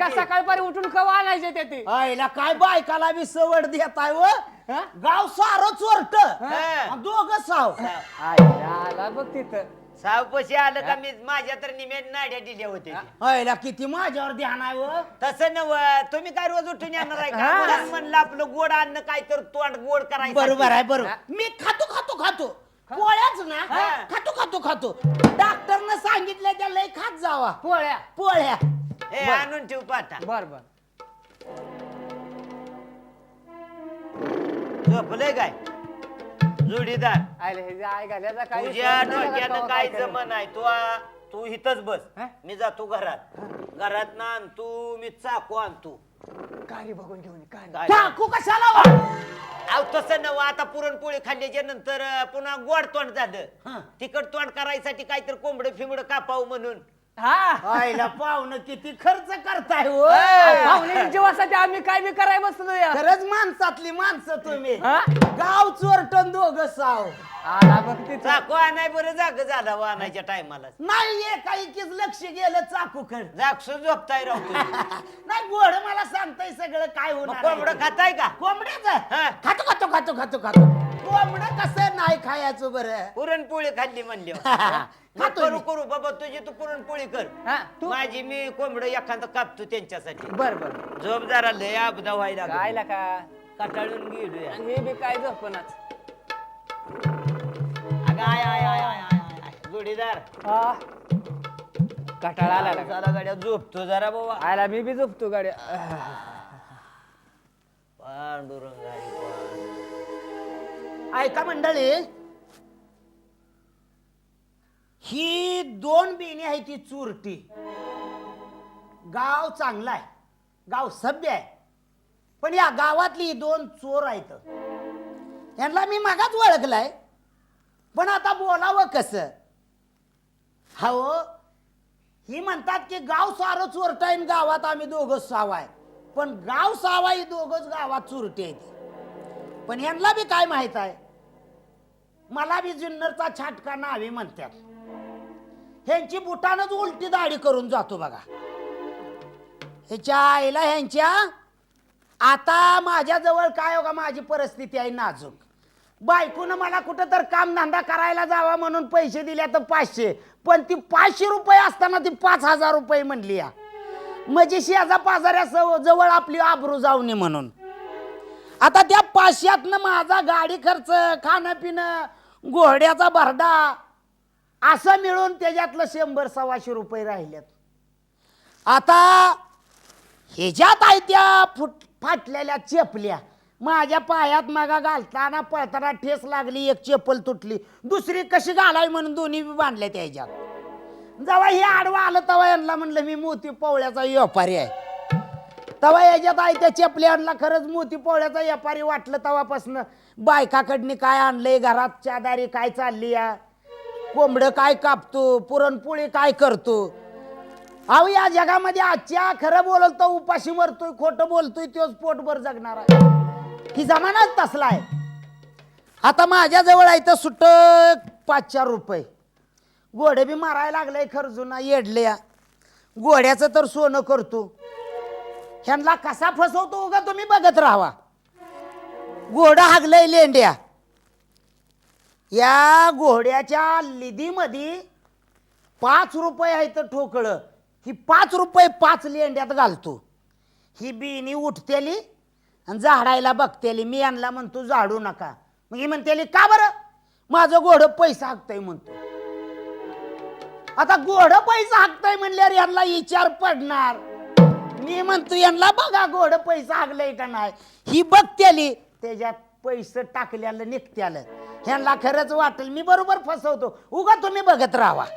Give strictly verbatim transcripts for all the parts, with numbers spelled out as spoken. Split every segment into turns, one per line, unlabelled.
का सकाळपारी उठून कवा आणायचे ते ते
आईला काय बायकाला बी सवड देताय व गाव सारं चोरट दोघं साव
आईला आला बघ तिथं
सावपशी आलं का मी माझ्या तर निमेट नाड्या दिल्या होत्या
आईला किती माझ्यावर ध्यान आहे व
तसं नव तुम्ही काय रोज उठून येणार आहे का म्हणून म्हणलं आपलं गोड अन्न काय तर तोंड गोड करायचं
बरोबर आहे बरोबर मी खातो खातो खातो पोळ्याच ना खातो खातो खातो डॉक्टरनं सांगितलं त्या लय खात जावा
पोळ्या
पोळ्या
हे आणून ठेव पाटा
बर बर
झोपलंय काय जोडीदार
आले हे आय घाल्याचा काय
तुझ्या डोक्यानं काय जमन आहे तू आ- तू इथंच बस मी जातो घरात घरात ना आण तू मी चाकू आणतो
गाडी बघून घेऊन ये, गाडी.
काय?
टाकू कशाला वा?
अहो तसं नव आता पुरणपोळी खाल्ल्याच्या नंतर अं, पुन्हा गोड तोंड
हा.
झालं तिखट तोंड करायसाठी काहीतरी कोंबडं फिंबड कापावं म्हणून
हा
आईला पाहुणं किती खर्च करताय हो
पाहुणे जीवासाठी आम्ही काय बी कराय बसलो या
खरंच माणसातली माणसं तुम्ही
हा?
गाव चोरटन दोघं साव
आला बघ तिथं
चाकू आणाय बरं जाग झाला वा आणायच्या टायमाला
नाही एकाएकीच लक्ष गेलं चाकूकड
जागसो झोपताय राव तुम्ही.
नाही गोड मला सांगताय सगळं काय
मग
होणार
कोंबडं खाताय का
कोंबड्याच
हा.
खातो खातो खातो खातो खातो कोंबडं कसं नाही खायचं बरं
पुरणपोळी खाल्ली म्हणली
खातो
करू
मी.
करू बाबा तुझी तू पुरणपोळी कर
हा तू
माझी मी कोंबडं एखादं कापतो त्यांच्यासाठी
बर बर
झोप जरा लय अपदा व्हायला
काय
लागली.
का
कटाळून गेलो
आणि हे बी काय झोपणाच
आय आय आय आय आय आय जोडीदार
हा कटाळा आला का?
जरा गाड्या झोपतो जरा बाबा
आयला मी बी झोपतो गाडी
पांडुरंग हरी पांडुरंग.
ऐका मंडळी ही दोन बिणी आहे ती चुरटी गाव चांगला आहे गाव सभ्य आहे पण या गावातली ही दोन चोर आहेत यांना मी मागाच ओळखलाय पण आता बोलावं कसं हो ही म्हणतात की गाव सारं चोरटा आहे गावात आम्ही दोघं सावा आहे पण गाव सावा ही दोघंच गावात चोरटी आहे पण यांना बी काय माहित आहे मला बी जुन्नरचा छाटका नावे म्हणतात ह्यांची बुटानच उलटी दाढी करून जातो बघा ह्याच्या आईला ह्यांच्या आता माझ्या जवळ काय हो का माझी परिस्थिती आहे नाजूक बायकोनं मला कुठं तर काम धंदा करायला जावा म्हणून पैसे दिले तर पाचशे पण ती पाचशे रुपये असताना ती पाच हजार रुपये म्हणली या म्हणजे शेजा पाजाऱ्या जवळ आपली आबरू जाऊ नये म्हणून आता त्या पाचशेतनं माझा गाडी खर्च खाणं पिणं घोड्याचा भरडा असं मिळून त्याच्यातलं शंभर सव्वाशे रुपये राहिलेत आता ह्याच्यात आहे त्या फुट फाटलेल्या चेपल्या माझ्या पायात मागा घालताना पळताना ठेस लागली एक चेपल तुटली दुसरी कशी घालावी म्हणून दोन्ही बी बांधल्या त्याच्यात जेव्हा हे आडवा आलं तेव्हा यांना म्हणलं मी मोती पोवळ्याचा व्यापारी आहे तेव्हा याच्यात आहे त्या चेपल्या आणला खरंच मोती पोवळ्याचा व्यापारी वाटलं तेव्हापासून बायकाकडनी काय आणलंय घरात चादारी काय चालली या कोंबडं काय कापतो पुरणपोळी काय करतो अहो या जगामध्ये आजच्या खरं बोलल तर उपाशी मरतोय खोटं बोलतोय तोच पोटभर जगणार आहे ही जमानाच तसला आहे आता माझ्याजवळ आहे तर सुट्ट पाच चार रुपये घोडे बी मारायला लागले खर्जुना येडल्या घोड्याचं तर सोनं करतो ह्यांना कसा फसवतो उगा तुम्ही बघत राहावा घोडं हागलंय लेंड्या या घोड्याच्या लिदीमध्ये पाच रुपये आहे तर ठोकळं ही पाच रुपये पाच लेंड्यात घालतो ही बिनी उठतेली आणि झाडायला बघतेली मी यांना म्हणतो झाडू नका मग ही म्हणतेली का बरं माझं घोडं पैसा हाकतंय म्हणतो आता घोडं पैसा हाकतंय म्हणल्यावर यांना विचार पडणार मी म्हणतो यांना बघा घोडं पैसा हाकलंय का नाही ही बघतेली त्याच्यात पैसे टाकल्याला निघत्यालं ह्यांना खरंच वाटेल मी बरोबर फसवतो उगा तुम्ही बघत राहा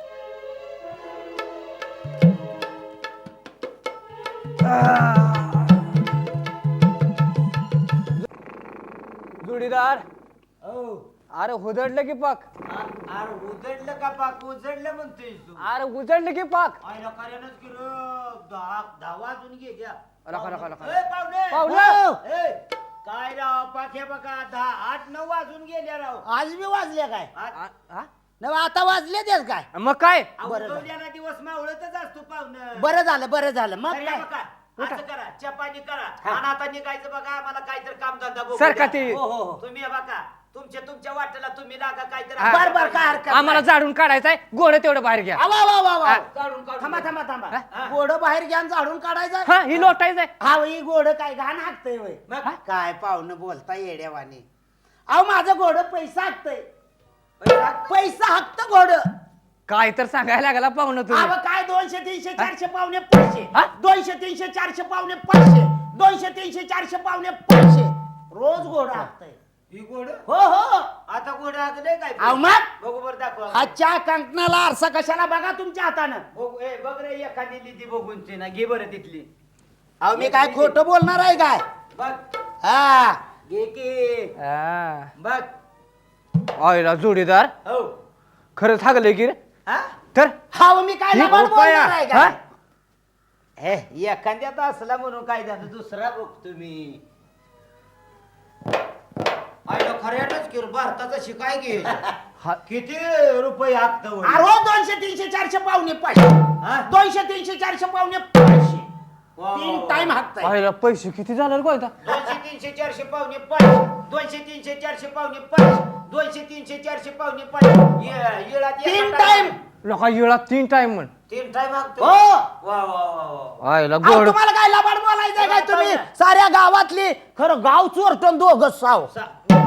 जोडीदार अरे हुदडलं की पाक
अरे उजडलं का पाक उजडलं म्हणतोय तू
अरे उजडलं की पाक
आईला कार्यानंच की रे, दहा दहा वाजून गेल्या
रखा, रखा, रखा.
ए, पाहुणे
पाहुणे!
ए, काय राव पाख्या बघा दहा आठ नऊ वाजून गेल्या राव
आज मी वाजले काय
आठ-
आ- हा?
नव आता वाजले तेच काय
मग काय
अहो,
बरं
उठवल्याला दिवस मावळतच असतो पाहुणं
बरं झालं बरं झालं मग
कार्या
काय
बघा असं करा चपानी करा आणि आता निघायचं बघा आम्हाला काहीतरी काम धंदा बघू
सर का
द्या.
ती-
हो, हो, हो. तुम्ही हे बघा तुमच्या तुमच्या वाटेला तुम्ही लागा काहीतरी
हा.
बर बर काय हरकत
आम्हाला
नाही.
झाडून काढायचंय गोड तेवढं बाहेर घ्या
आवा, वा, वा, वा.
हा.
काढून काढून
थांबा थांबा थांबा
हा.
गोड बाहेर घ्या आणि झाडून काढायचं
हा ही लोटायचंय
हा ही गोड काय घाण हाकतय वय
मग?
काय पाहुणं बोलता येड्यावाने अहो माझं गोड पैसा हाकतय
पैसा?
पैसा हाकत गोड
काय तर सांगायला लागला पाहुणं
अहो
तुम्ही
काय दोनशे तीनशे चारशे पावणे पाचशे
हा?
दोनशे तीनशे चारशे पावणे पाचशे दोनशे तीनशे चारशे पावणे पाचशे रोज गोड हाकतय
ही गोड
हो हो
आता गोड लागले काय
अहो मग
बघू बरं दाखवा
आजच्या कंकणाला आरसा कशाला बघा तुमच्या हातानं
बघू ए बघ रे एखादी लिदी बघून ती ना घे बरं तिथली
अहो मी काय खोटं बोलणार आहे काय
बघ
हा
घे की
हा.
बघ
आईला जोडीदार
हो
खरंच हागले की रे
हा
तर
हा मी काय
ही
लबाड
रुपया,
बोलणार आहे
हा?
काय
हे एखाद्यात असला म्हणून काय झालं दुसरा बघ तुम्ही आयला खऱ्यानच की रे, भारताचा शिकाय घे
हा.
किती रुपये हाकत
अरे हो, दोनशे तीनशे चारशे पावणे पाचशे
हा?
दोनशे तीनशे चारशे पावणे पाचशे
वा,
तीन
वा,
टाइम
वा.
हाकताय
आईला पैसे किती झाले कोयता
दोनशे तीनशे चारशे पावणे पाच दोनशे तीनशे चारशे पावणे पाच दोनशे तीनशे चारशे पावणे पाच ये- येळात एका
तीन
टाइम-
टाइम
लोका येळा तीन टाइम म्हण
तीन टाइम हाकतो
हो
वा वा वा वा
आईला
अहो,
गोड
तुम्हाला काय लबाड बोलायचंय काय तुम्ही साऱ्या गावातली खरं गाव चोरटन दोघ साव
सा-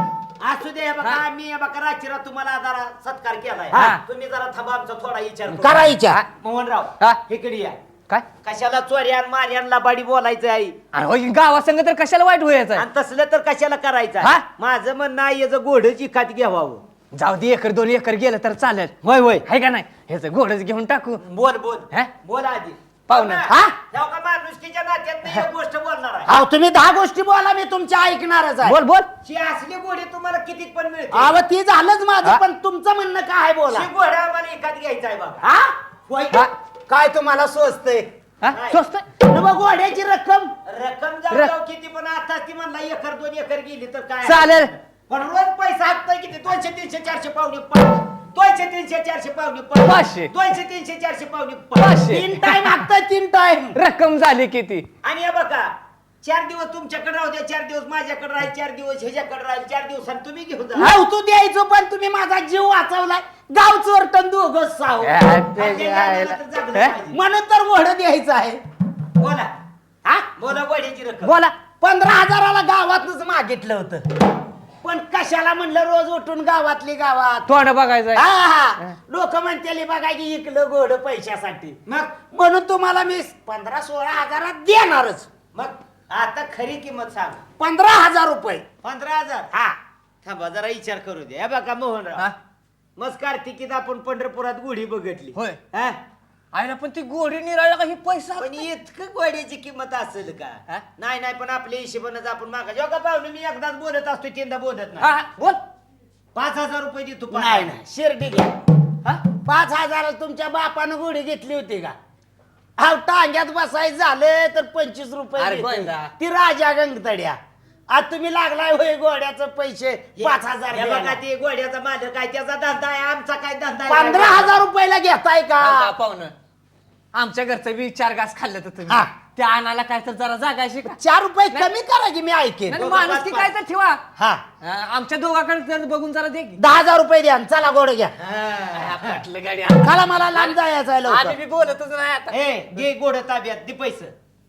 असू दे हे बघा मी हे बघा रात्रीला तुम्हाला जरा सत्कार केलाय
हा.
तुम्ही जरा थांबा आमचा थोडा विचार करू.
करायच्या
मोहनराव
हा?
इकडे या
काय
कशाला चोऱ्यान मार्यान लबाडी बोलायचं आहे
अरे हो गावासंग तर कशाला वाईट व्हायचं
आणि तसलं तर कशाला करायचं
हा?
आहे? माझं म्हणणं आहे याचं घोडच इकात घ्यावं
जाऊ दे एकर दोन एकर गेलं तर चालेल
होय होय
आहे का नाही ह्याचं घोडच घेऊन टाकू
बोल बोल
हा?
बोल आधी
पाहुणं.
हा?
हा?
जाऊ का माणुसकीच्या नात्यात नाही एक गोष्ट बोलणार आहे
अहो तुम्ही दहा गोष्टी बोला मी तुमच्या ऐकणारच आहे
बोल बोल
शी असली घोडी तुम्हाला किती पण मिळते
अहो ती झालंच माझं
हा?
पण तुमचं म्हणणं काय आहे बोला
शी घोडा आम्हाला एकात घ्यायचा आहे बघा
हा होय का?
हा.
काय तुम्हाला स्वस्तय
हा
नाही.
स्वस्त
मग घोड्याची रक्कम
रक्कम जाऊ
रक-
जाऊ किती पण आता ती म्हणला एकर दोन एकर गेली तर काय
चालेल.
पण रोज पैसा हाकताय किती दोनशे तीनशे चारशे पावणे पाच दोनशे तीनशे चारशे पावणे पाच
पाचशे.
दोनशे तीनशे चारशे पावणे पाच
पाचशे.
तीन टाइम हाकताय तीन टाइम
रक्कम झाली किती
आणि हे बघा चार दिवस तुमच्याकडे राहू द्या चार दिवस माझ्याकडे राहील चार दिवस ह्याच्याकडे राहील चार दिवसांनी तुम्ही घेऊन जा
हाव तू द्यायचो पण तुम्ही माझा जीव वाचवलाय गाव चोरटन दोघ साव
हा, ते
आणि
आहे
याला
ना.
तर जगलं
हे?
पाहिजे.
म्हणून तर घोडं द्यायचं आहे
बोला
हा
बोला वड्याची रक्कम
बोला
पंधरा हजाराला गावातच मागितलं होतं पण कशाला म्हणलं रोज उठून गावातली गावात
तोंड बघायचंय
हा हा लोक म्हणते बघा की इकलं गोड पैशासाठी
मग
म्हणून तुम्हाला मी पंधरा सोळा हजारात देणारच
मग आता खरी किंमत सांग
पंधरा हजार रुपये
पंधरा हजार
हा
थांबा जरा विचार करू दे हे बघा मोहनराव
हा?
मग कार्तिकीत आपण पंढरपुरात गुढी बघितली
होय.
हा?
आईला पण ती गोडी निराळला का ही पैसा
पण इतकं गोड्याची किंमत असेल
हा?
का नाही नाही पण आपल्या हिशोबानं आपण मागा जेव्हा का पाहुणे मी एकदाच बोलत असतो तीनदा बोलत
हा,
नाही
हा, बोल
पाच हजार रुपये देतो पाच
नाही
हजार.
नाही शिर्डी घ्या
हा?
पाच हजाराला तुमच्या बापानं गोडी घेतली होती का हा टांग्यात बसायचं झालं तर पंचवीस रुपये
अरे
घेते.
गोंदा.
ती राजा गंगतड्या आज तुम्ही लागलाय होय गोड्याचं पैसे
हे-
पाच हजार
हे बघा
द्यायला.
ते गोड्याचा मालक काय त्याचा धंदा आहे आमचा काय धंदा आहे?
पंधरा हजार रुपयाला घेताय
का
का
पाहुणं आमच्या घरचं बी चार घास खाल्लं तर तुम्ही
हा.
त्या आणायला काय तर जरा जागायची का
चार रुपये
नाही.
कमी करा की मी ऐकेन
नाही,
दोघं
माणूस की
पाच-
काय तर ठेवा
हा
हा, आमच्या दोघाकडे जर बघून जरा दे की.
दहा हजार रुपये द्या आणि चला गोड घ्या
हा.
हा, पटलं गाडी
चला मला लांब जायचं आहे
आम्ही
लवकर
बी बोलतच नाही आता
ए घे गोड ताब्यात दे पैसे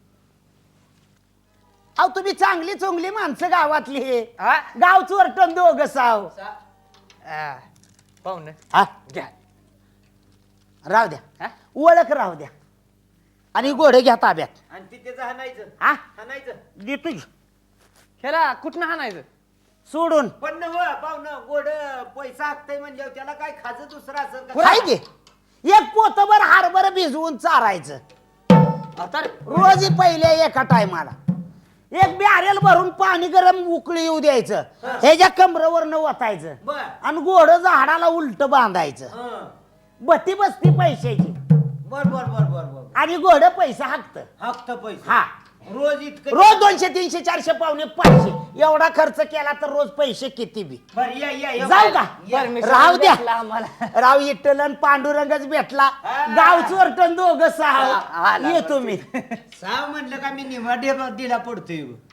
अहो तुम्ही चांगली चोंगली माणसं गावातली हे
हा?
गाव चोरटन दोघ साव
हा, पाहुणं
हा
घ्या
राहू द्या
हा?
ओळख राहू द्या आणि गोडे घ्या ताब्यात
आणि तिथेच हाणायचं
हा
हाणायचं
देतो की.
ह्याला कुठनं हाणायचं
सोडून
पण न हो पाहुणं गोड पैसा हाकताय म्हणजे त्याला काय खाज दुसरं असेल का?
काय की एक पोतभर हारभर भिजवून चारायचं
आता
रोज पहिले एका टायमाला एक बॅरेल भरून पाणी गरम उकळी येऊ द्यायचं ह्याच्या कमरेवर वतायचं
बर
आणि गोड झाडाला उलट बांधायचं
हं.
बत्ती बसती पैशाची
बर बर बर बर बर
आणि गोड पैसा हाकत
हाकत पैसे
हा
रोज इतकं
रोज दोनशे तीनशे चारशे पावणे पाचशे एवढा खर्च केला तर रोज पैसे किती बी
बरं, या या या.
जाऊ का
परमेश्वर
राहू द्या
भेटला आम्हाला.
राव इट्टलन पांडुरंगच भेटला
हा.
गाव चोरटन दोघं
हा,
सहा
आला
येतो मी
साव म्हणलं का मी निवाडी दिला पडतोय